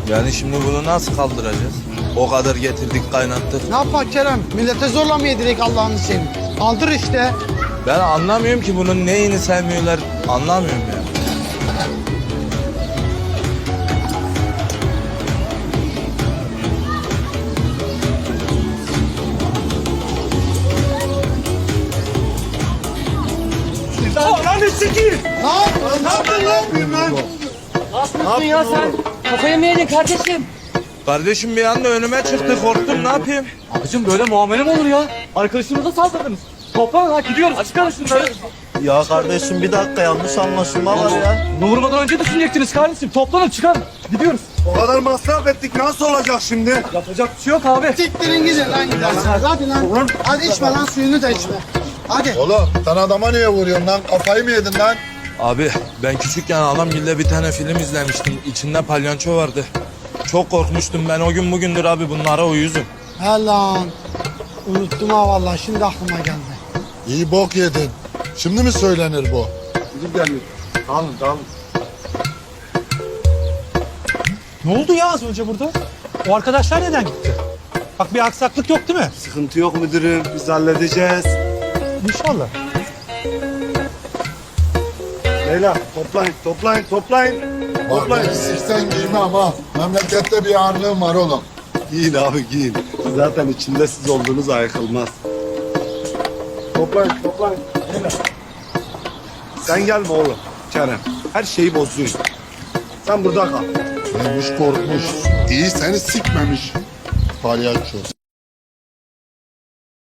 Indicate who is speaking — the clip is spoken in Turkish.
Speaker 1: Yani şimdi bunu nasıl kaldıracağız? O kadar getirdik kaynattık.
Speaker 2: Ne yapak Kerem? Millete zorla mı yedirek Allah'ını seveyim? Kaldır işte.
Speaker 1: Ben anlamıyorum ki bunun neyini sevmiyorlar. Anlamıyorum ya.
Speaker 2: Ne yapıyorsun lan?
Speaker 3: Ne yaptın ya sen? Kafayı mı yedin kardeşim?
Speaker 1: Kardeşim bir anda önüme çıktı korktum ne yapayım?
Speaker 3: Abicim böyle muamele mi olur ya? Arkadaşımıza saldırdınız. Toplanın ha gidiyoruz. Çıkarın şunları.
Speaker 4: Ya kardeşim bir dakika yanlış anlaşılma var ya.
Speaker 3: Bunu vurmadan önce düşünecektiniz kardeşim. Toplanın çıkarın. Gidiyoruz.
Speaker 5: O kadar masraf ettik nasıl olacak şimdi?
Speaker 3: Yapacak bir şey yok abi.
Speaker 2: Siktirin gidin lan gidersiniz. Hadi lan. Hadi içme lan suyunu da içme. Hadi.
Speaker 5: Oğlum sen adama niye vuruyorsun lan? Kafayı mı yedin lan?
Speaker 1: Abi ben küçükken Alamgil'de bir tane film izlemiştim. İçinde palyaço vardı. Çok korkmuştum ben o gün bugündür abi bunlara uyuzum.
Speaker 2: He lan. Unuttum ha vallahi şimdi aklıma geldi.
Speaker 5: İyi bok yedin. Şimdi mi söylenir bu?
Speaker 6: Ne oldu ya az önce burada? O arkadaşlar neden gitti? Bak bir aksaklık yok değil mi?
Speaker 4: Sıkıntı yok müdürüm biz halledeceğiz.
Speaker 6: İnşallah.
Speaker 4: Leyla toplayın.
Speaker 5: Vallahi siksen giymem ha. Memlekette bir ağırlığım var oğlum.
Speaker 4: Giyin abi giyin. Zaten içinde siz olduğunuz ayıkılmaz. Toplayın. Leyla. Sen gelme oğlum Kerem. Her şeyi bozuyorsun. Sen burada kal.
Speaker 5: Neymiş korkmuş. İyi seni sikmemiş. Palyaço.